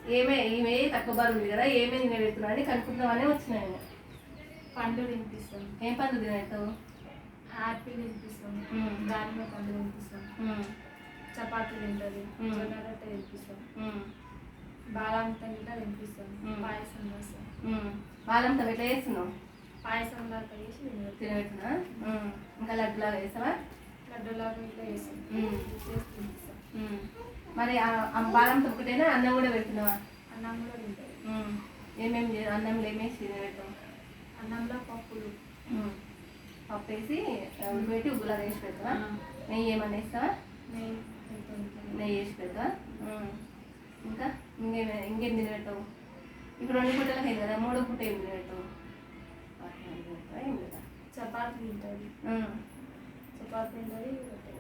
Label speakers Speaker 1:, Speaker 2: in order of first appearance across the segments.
Speaker 1: ఈమె తక్కువ బరువు ఉంది కదా ఏమేమి తినబెడుతున్నా అని కనుక్కుందామని వచ్చినాయి.
Speaker 2: పండ్లు తినిపిస్తాం.
Speaker 1: ఏం పండ్లు తినబెడతావు?
Speaker 2: యాపిల్ తినిపిస్తాం, దానిమ్మ పండు తినిపిస్తాం, చపాతీ తింటుంది, జొన్న రొట్టె తినిపిస్తాం, బాలాంతా గిట్లా తినిపిస్తాం, పాయసం చేస్తాం.
Speaker 1: బాలంతా ఎట్లా చేస్తున్నావు?
Speaker 2: పాయసం లాగా చేసి
Speaker 1: తినబెడుతున్నా. ఇంకా లడ్డులాగా వేస్తావా?
Speaker 2: లడ్డూలాగా ఇట్లా చేసి తినిపిస్తాం.
Speaker 1: మరి బాలంతో ఒకటేనా అన్నం కూడా పెడుతున్నావా?
Speaker 2: అన్నం కూడా తింటుంది.
Speaker 1: ఏమేమి అన్నంలో ఏమేసి తినబెడతావు?
Speaker 2: అన్నంలో పప్పులు,
Speaker 1: పప్పు వేసి ఉడిపెట్టి ఉగ్గులాగా వేసి పెడతావా? నెయ్యి ఏమన్నా వేస్తావా? నెయ్యి వేసి పెడతావా? ఇంకా ఇంకేం తినబెడతావు? ఇప్పుడు 2 పూటలకు అయింది కదా, 3వ పూట ఏం తినబెడతావు? ఏం లేదా?
Speaker 2: చపాతీ తింటుంది. చపాతీ తింటుంది,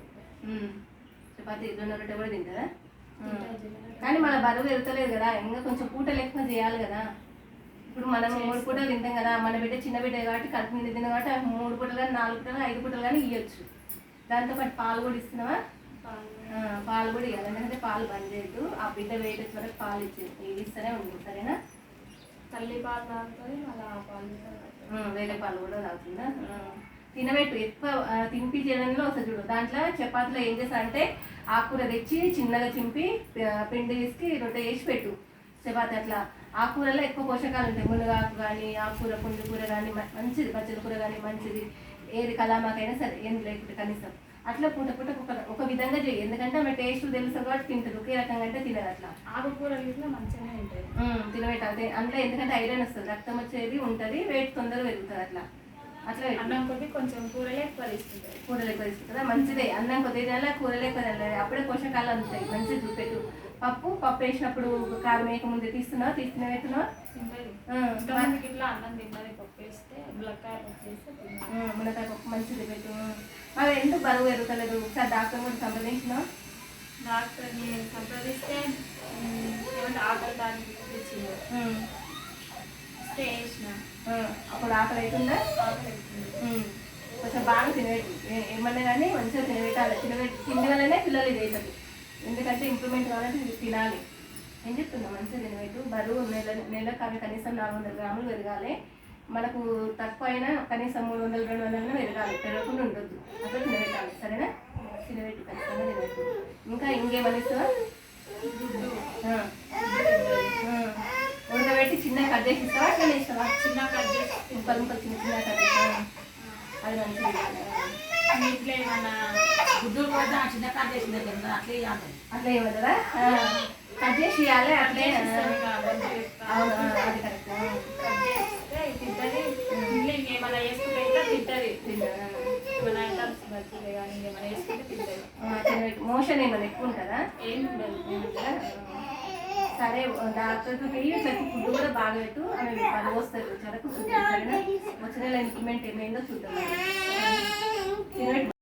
Speaker 1: చపాతీ జొన్న రొట్టె కూడా తింటుందా? కానీ మన బరువు వెళ్తలేదు కదా, ఇంకా కొంచెం పూటలు ఎక్కువ చేయాలి కదా. ఇప్పుడు మనం 3 పూటలు తింటాం కదా, మన బిడ్డ చిన్న బిడ్డ కాబట్టి కడుపు నిండి తిన్నాం కాబట్టి 3 పూటలు కానీ 4 పూటలు 5 పూటలు కానీ ఇవ్వచ్చు. దాంతోపాటు పాలు కూడా ఇస్తున్నావా? పాలు కూడా ఇవ్వాలి, ఎందుకంటే పాలు బంద్ చేయొద్దు. ఆ బిడ్డ వెయిట్ వచ్చే వరకు పాలు ఇది ఇస్తూనే ఉంటుంది, సరేనా?
Speaker 2: తల్లి పాలు తాగుతుంది, మళ్ళీ ఆ పాలు
Speaker 1: వేరే పాలు కూడా తాగుతుందా? తినబెట్టు, ఎక్కువ తినిపించడంలో వస్తుంది చూడు. దాంట్లో చపాతీలో ఏం చేస్తా అంటే ఆకుకూర తెచ్చి చిన్నగా చింపి పిండి వేసి రొట్టె వేసి పెట్టు చపాతీ. అట్లా ఆకుకూరలో ఎక్కువ పోషకాలు ఉంటాయి. మునగాకు కానీ ఆకుకూర, పుండికూర కానీ మంచిది, పచ్చడి కూర కానీ మంచిది. ఏది కలామాకైనా సరే ఏం లేకుంటే కనీసం అట్లా పూట పూట ఒక విధంగా చేయి. ఎందుకంటే ఆమె టేస్ట్ తెలుసు కాబట్టి తింటుంది, ఒకే రకంగా అంటే తినదు. అట్లా
Speaker 2: ఆకుకూరలు ఇట్లా మంచిగానే ఉంటాయి,
Speaker 1: తినబెట్టాలి. అందులో ఎందుకంటే ఐరన్ వస్తుంది, రక్తం వచ్చేది ఉంటుంది, వెయిట్ తొందరగా పెరుగుతుంది. అట్లా అట్లా
Speaker 2: అన్నం కొద్ది కొంచెం కూరలు ఎక్కువ తీసుకుంటుంది.
Speaker 1: కూరలు ఎక్కువ తీసుకుంటుందా? మంచిదే. అన్నం కొద్దిగా తినాలి, కూరలు ఎక్కువ తినాలి, అప్పుడే పోషకాలు అందుతాయి. మంచిది చూపెట్టు. పప్పు వేసినప్పుడు కారం వేయకముందే తీస్తున్నావా? తీస్తున్నావా?
Speaker 2: ఇట్లా అన్నం తిన్నది, పప్పు వేస్తే మునక్కాయ పప్పు వేస్తే
Speaker 1: మునక్కాయ పప్పు మంచిది పెట్టు. మరి ఎందుకు బరువు పెరుగుతలేదు? ఒకసారి డాక్టర్ కూడా సంప్రదించినా?
Speaker 2: డాక్టర్ని సంప్రదిస్తే ఏమంటే ఆకలి దానికి తెచ్చింది, స్టే చేసిన.
Speaker 1: అప్పుడు ఆకలి అవుతుందా?
Speaker 2: ఆకలి అవుతుంది.
Speaker 1: కొంచెం బాగా తినబెట్టు, ఏమన్నా కానీ మంచిగా తినబెట్టాలి. తిండి వల్లనే పిల్లలు ఇది అవుతుంది. ఎందుకంటే ఇంప్రూవ్మెంట్ కావాలంటే తినాలి. ఏం చెప్తున్నా? మంచిగా తినబెట్టు. బరువు నెలకు అవి కనీసం 400 గ్రాములు పెరగాలి. మనకు తక్కువ అయినా కనీసం 300-200 పెరగాలి, పెరగకుండా ఉండొద్దు. అట్లా తినబెట్టాలి, సరేనా? తినబెట్టు, ఖచ్చితంగా తినబెట్టు. ఇంకా ఇంకేమని ఇస్తావా? ఉడకబెట్టి చిన్న కట్ చేసి ఇస్తావా? అట్లా ఇస్తావా?
Speaker 2: చిన్న కట్ చేసి
Speaker 1: ముక్కలు చిన్న కట్ చేస్తావా? అది మంచిది.
Speaker 2: ఇంట్లో ఏమన్నా
Speaker 3: గుడ్డు కూడా చిన్న కట్ చేసిన దగ్గర అట్లే ఇవ్వాలి.
Speaker 1: అట్లా ఇవ్వదా? కట్ చేసి ఇవ్వాలి. అట్లే అవును, అది కరెక్ట్.
Speaker 2: కట్ చేస్తే తింటుంది. ఇంట్లో ఇంకేమైనా వేసుకుంటే ఇట్లా తింటుంది. ఏమైనా ఐటమ్స్ బజ్జీలు కానీ ఇంకేమైనా వేసుకుంటే తింటుంది.
Speaker 1: మోషన్ ఏమైనా ఎక్కువ ఉంటుందా?
Speaker 2: ఏం ఉండదు.
Speaker 1: సరే, డాక్టర్కి ప్రతి ఫుడ్ కూడా బాగా పెట్టు. ఆమె పని వస్తుంది, చరకు సరేనా? వచ్చిన ఇంప్లిమెంట్ ఏమైందో చూద్దాం.